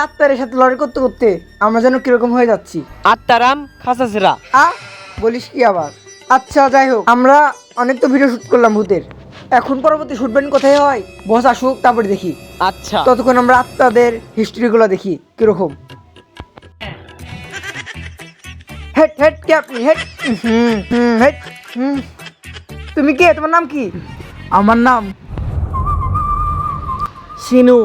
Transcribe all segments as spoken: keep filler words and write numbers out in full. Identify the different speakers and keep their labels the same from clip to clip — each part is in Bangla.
Speaker 1: আত্মারের সাথে লড়াই করতে করতে আমরা যেন কিরকম হয়ে যাচ্ছি।
Speaker 2: আত্মারাম খাসাসেরা।
Speaker 1: আ বলিস কি আবার? আচ্ছা যাই হোক, আমরা অনেক তো ভিডিও শুট করলাম ভূতের, এখন পরবর্তী শুট ব্যান্ড কোথায় হয়? বস আসুক তারপরে দেখি।
Speaker 2: আচ্ছা
Speaker 1: ততক্ষণ আমরা আত্মাদের হিস্ট্রিগুলো দেখি কিরকম। হেড হেড কে আপনি? হেড হুম হুম হেড হুম। তুমি কে? তোমার নাম কি?
Speaker 3: আমার নাম সিনু।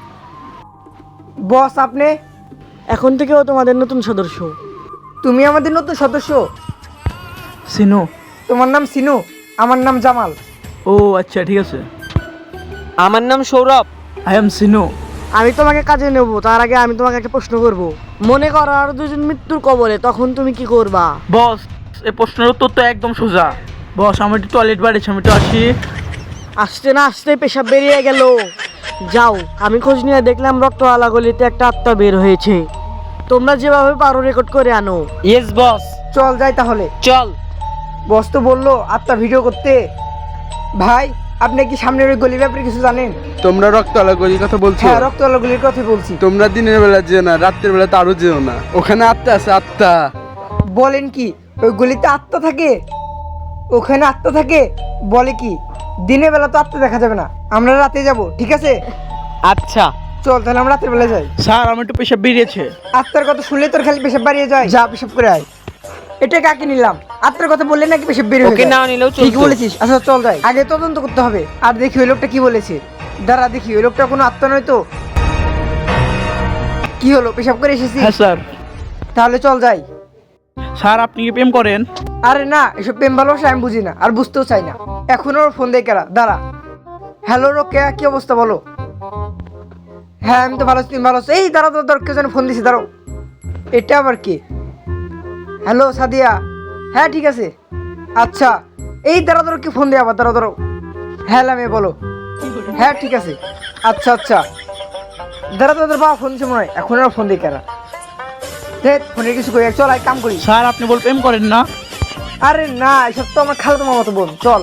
Speaker 1: বস আপনি?
Speaker 3: এখন থেকেও তোমাদের নতুন সদস্য।
Speaker 1: তুমি আমাদের নতুন সদস্য?
Speaker 3: সিনু।
Speaker 1: তোমার নাম সিনু, আমার নাম জামাল।
Speaker 3: ও আচ্ছা ঠিক আছে।
Speaker 2: আমার নাম সৌরভ।
Speaker 3: I am সিনু।
Speaker 4: আমি তোমাকে কাজে নেব, তার আগে আমি তোমাকে একটা প্রশ্ন করব। মনে করো আর দুজন মৃত্যুর কবলে, তখন তুমি কি করবা?
Speaker 3: বস এই প্রশ্নের উত্তর তো একদম সোজা। বস আমি একটু টয়লেট বাড়িছি, আমি একটু আসি।
Speaker 4: আসতে না আসতে পেশাব বেরিয়ে গেল। যাও, আমি খোঁজ নিয়ে দেখলাম রক্তওয়ালা গলিতে একটা আত্মা বের হয়েছে। তোমরা যেভাবে পারো রেকর্ড করে আনো।
Speaker 2: Yes boss.
Speaker 1: চল যাই তাহলে।
Speaker 2: চল।
Speaker 1: বস তো বললো আত্মা ভিডিও করতে। ভাই আপনি কি সামনের ওই গলির ব্যাপারে কিছু জানেন?
Speaker 5: তোমরা রক্তওয়ালা গলির কথা বলছো?
Speaker 1: হ্যাঁ রক্তওয়ালা গলির কথা বলছি।
Speaker 5: তোমরা দিনের বেলা যেও না, রাত্রের বেলা তো আরো যেও না, ওখানে আত্মা আছে আত্মা।
Speaker 1: বলেন কি ওই গলিতে আত্মা থাকে? ওখানে আত্মা থাকে? বলে কি? দিনের বেলা তো আত্মা দেখা যাবে না, আমরা রাতে যাব, ঠিক আছে?
Speaker 2: আচ্ছা
Speaker 1: চল তাহলে আমরা রাতের বেলা যাই।
Speaker 3: স্যার আমার একটু পেশাব বেরিয়েছে।
Speaker 1: আত্মার কথা শুনলে তোর খালি পেশাব বাড়িয়ে যায়। যা পেশাব করে আয়। এটা কাকে নিলাম? আত্মার কথা বললে নাকি পেশাব বেরিয়ে
Speaker 2: ওকে না নিলেও চলতো।
Speaker 1: ঠিক বলেছিস। আচ্ছা চল যাই, আগে তদন্ত করতে হবে। আর দেখি ওই লোকটা কি বলেছে। দাঁড়া দেখি ওই লোকটা কোনো আত্মা নয় তো। কি হলো, পেশাব করে এসেছি?
Speaker 3: হ্যাঁ স্যার।
Speaker 1: তাহলে চল যাই।
Speaker 3: স্যার আপনি কি প্রেম করেন?
Speaker 1: আরে না, এসব প্রেম ভালোবাসা আমি বুঝি না আর বুঝতেও চাই না। এখন ওর ফোন দিয়ে কেরা। দাঁড়া। হ্যালো রোকেয়া, কি অবস্থা বলো? হ্যাঁ আমি তো ভালো আছি, তুমি ভালো আছো? এই দাঁড়াও দাঁড়াও, কেউ যেন ফোন দিছি, দাঁড়াও। এটা আবার কি? হ্যালো সাদিয়া। হ্যাঁ ঠিক আছে। আচ্ছা এই দাঁড়াও দাঁড়াও, কি ফোন দিয়ে আবার? দাঁড়াও দাঁড়াও। হ্যাঁ লামে বলো। হ্যাঁ ঠিক আছে। আচ্ছা আচ্ছা দাঁড়াও দাঁড়াও, বাবা ফোন দিচ্ছে মনে হয়। এখন আর ফোন দিয়ে কেরা? ফোনের কিছু করি, চল এক কাম করি।
Speaker 3: স্যার আপনি বল প্রেম করেন না?
Speaker 1: আরে না, এসব তো আমার খালাতো মামাতো বোন। চল।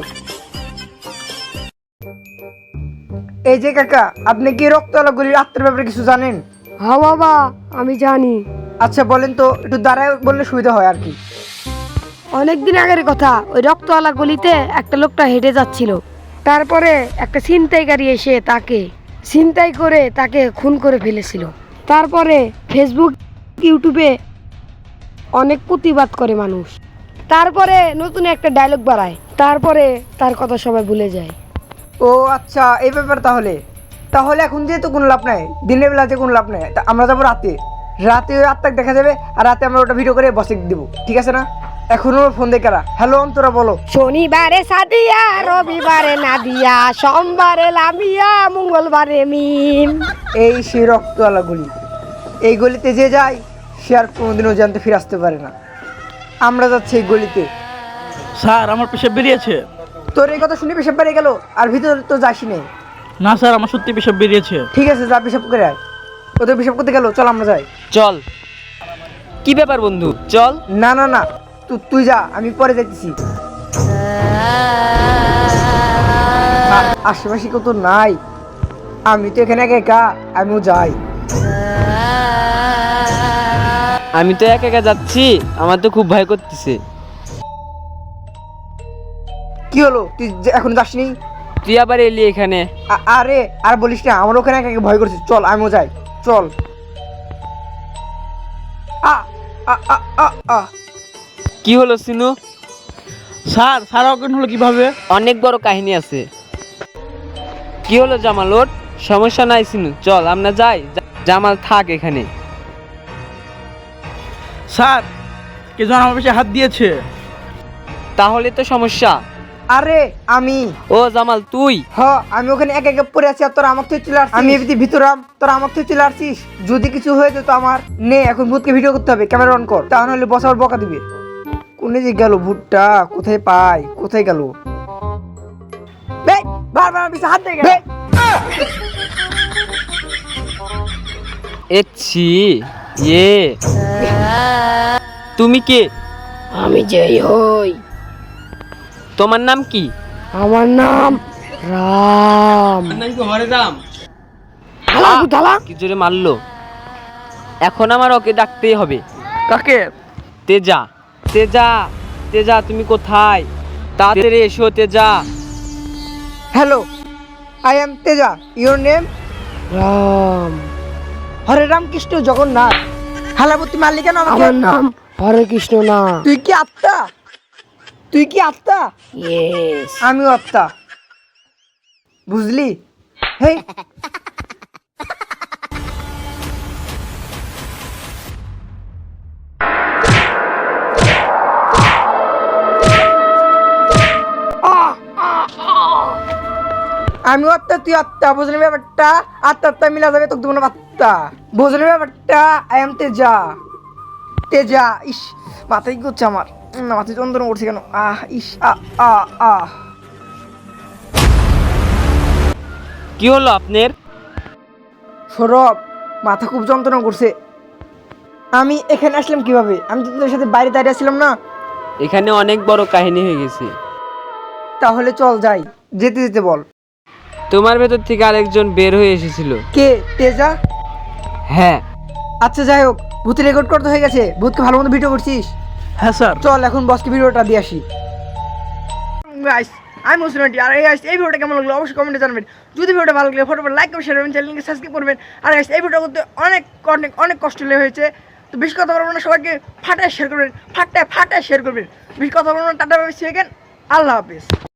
Speaker 1: এই যে কাকা, আপনি কি রক্তওয়ালা গলির আত্মার ব্যাপারে কিছু জানেন?
Speaker 6: হ্যাঁ বাবা, আমি জানি।
Speaker 1: আচ্ছা বলেন তো, একটু দাঁড়ায় বললে সুবিধা হয় আর কি।
Speaker 6: অনেকদিন আগের কথা, ওই রক্তওয়ালা গলিতে একটা লোকটা হেঁটে যাচ্ছিল। তারপরে একটা ছিনতাইকারী এসে তাকে ছিনতাই করে তাকে খুন করে ফেলেছিল। তারপরে ফেসবুক ইউটিউবে অনেক প্রতিবাদ করে মানুষ। তারপরে নতুন একটা ডায়লগ বাড়ায়, তারপরে তার কথা সবাই ভুলে যায়।
Speaker 1: ও আচ্ছা এই ব্যাপার। তাহলে তাহলে এখন যেহেতু কোনো লাভ নাই, দিনের বেলা যে কোনো লাভ নাই, তা আমরা যাবো রাতে। রাতে ওই আত্মাকে দেখা যাবে আর রাতে আমরা ওটা ভিডিও করে বসে দেবো, ঠিক আছে না? এখন ওর ফোন দিয়ে কারা। হ্যালো অন্তরা বলো।
Speaker 6: শনিবারে সাদিয়া, রবিবারে নাদিয়া, সোমবারে লামিয়া, মঙ্গলবারে মিম।
Speaker 1: এই সেই রক্তওয়ালা গলি। এই গলিতে যে যায় সে আর কোনোদিনও জানতে ফিরে আসতে পারে না। আমরা যাচ্ছি এই গলিতে।
Speaker 3: স্যার আমার পেশাব বেরিয়েছে।
Speaker 1: তোর এই কথা শুনে পেশাব বেড়ে গেল, আর ভিতরে তো যাসি নেই।
Speaker 3: না স্যার আমার সত্যি পেশাব বেরিয়েছে।
Speaker 1: ঠিক আছে যা পেশাব করে আয়। ওদের পেশাব করতে গেল, চল আমরা যাই।
Speaker 2: চল। কি ব্যাপার বন্ধু, চল।
Speaker 1: না না না, তুই তুই যা, আমি পরে যাইতেছি। আ- আশেপাশে কেউ তো নাই, আমি তো এখানে একা একা, আমিও যাই।
Speaker 2: আমি তো একা একা যাচ্ছি, আমার তো খুব ভয় করতেছে।
Speaker 1: কি হলো, তুই যে- এখন যাসনি?
Speaker 2: তুই আবার এলি এখানে?
Speaker 1: আ- আরে আর বলিস না, আমার ওখানে একা একা ভয় করছে। চল আমিও যাই, চল। আ আ আ আ আ
Speaker 2: কি হলো সিনু?
Speaker 3: স্যার স্যার অজ্ঞান হলো কিভাবে?
Speaker 2: অনেক বড় কাহিনী আছে। কি হলো জামাল, ওর সমস্যা নাই সিনু, চল আমরা যাই। জা- জামাল থাক এখানে।
Speaker 3: স্যার কে যেন আমার পেছনে হাত দিয়েছে।
Speaker 2: তাহলে তো সমস্যা।
Speaker 1: আরে আমি।
Speaker 2: ও জামাল তুই?
Speaker 1: হ আমি ওখানে একা একা পড়ে আছি আর তোরা আমার থেকে চলে আসছিস। আমি এমনি ভিতরে আম, তোরা আমার থেকে চলে আসছিস। যদি কিছু হয়ে যেত আমার, নে এখন ভূতকে ভিডিও করতে হবে, ক্যামেরা অন কর, তা নাহলে বস আবার বকা দিবে। কোনে যে গেল ভূতটা, কোথায় পাই, কোথায় গেল? বারবার পিছে হাত দিয়ে গেল।
Speaker 2: এচ্ছি ইয়ে তুমি কে?
Speaker 6: আমি যেই হই,
Speaker 2: তোমার নাম কি?
Speaker 6: আমার নাম রাম।
Speaker 2: রাম।
Speaker 6: হালা হালা।
Speaker 2: কি জোরে মারলো। এখন আমার ওকে ডাকতেই হবে।
Speaker 3: কাকে?
Speaker 2: তেজা, তেজা, তেজা তুমি কোথায়? তাড়াতাড়ি এসো Teja.
Speaker 1: Hello, I am Teja, your name?
Speaker 6: Ram,
Speaker 1: Hare Ram Krishna Jagannath. হালাবতী মারলি কেন আমাকে?
Speaker 6: আমার নাম হরে কৃষ্ণ না।
Speaker 1: তুই কি আত্মা? তুই কি আত্মা?
Speaker 6: ইয়েস।
Speaker 1: আমিও আত্মা, বুঝলি? হেই, আমিও আত্মা তুই আত্মা, বুঝলি ব্যাপারটা? আত্মা আত্মা মিলা যাবে, তোকে দেবো না আত্মা, বুঝলি ব্যাপারটা? I am Teja, Teja. ইস, মাথায় কি করছে আমার? উম, মাথায় যন্ত্রণা করছে কেন? আহ ইস, আ আ আহ
Speaker 2: কি হলো আপনার?
Speaker 1: সৌরভ, মাথা খুব যন্ত্রণা করছে। আমি এখানে আসলাম কিভাবে? আমি তো তোদের সাথে বাইরে দাঁড়িয়ে আসছিলাম না?
Speaker 2: এখানে অনেক বড় কাহিনী হয়ে গেছে।
Speaker 1: তাহলে চল যাই, যেতে যেতে বল।
Speaker 2: তোমার ভেতর থেকে আরেকজন বের হয়ে এসেছিল।
Speaker 1: কে? তেজা?
Speaker 2: হ্যাঁ।
Speaker 1: আচ্ছা যাই হোক, ভূতের রেকর্ড করতে হয়ে গেছে। ভূতকে ভালো মতো ভিডিও করছিস?
Speaker 3: হ্যাঁ স্যার।
Speaker 1: চল এখন বসকে ভিডিওটা দিয়ে আসি। গাইস, আমি মুসলিমটি আর এই গাইস এই ভিডিওটা কেমন লাগলো অবশ্যই কমেন্টে জানাবেন। যদি ভিডিওটা ভালো লাগলে ফটোফট লাইক করবেন, শেয়ার করবেন, চ্যানেলকে সাবস্ক্রাইব করবেন। আর গাইস এই ভিডিওটা করতে অনেক অনেক অনেক কষ্ট হয়েছে, তো বেশি কথা বলবো না, সবাইকে ফাটায় শেয়ার করবেন, ফাটায় ফাটায় শেয়ার করবেন। বেশি কথা বলবো না, tata bye, see you again, Allah হাফেজ।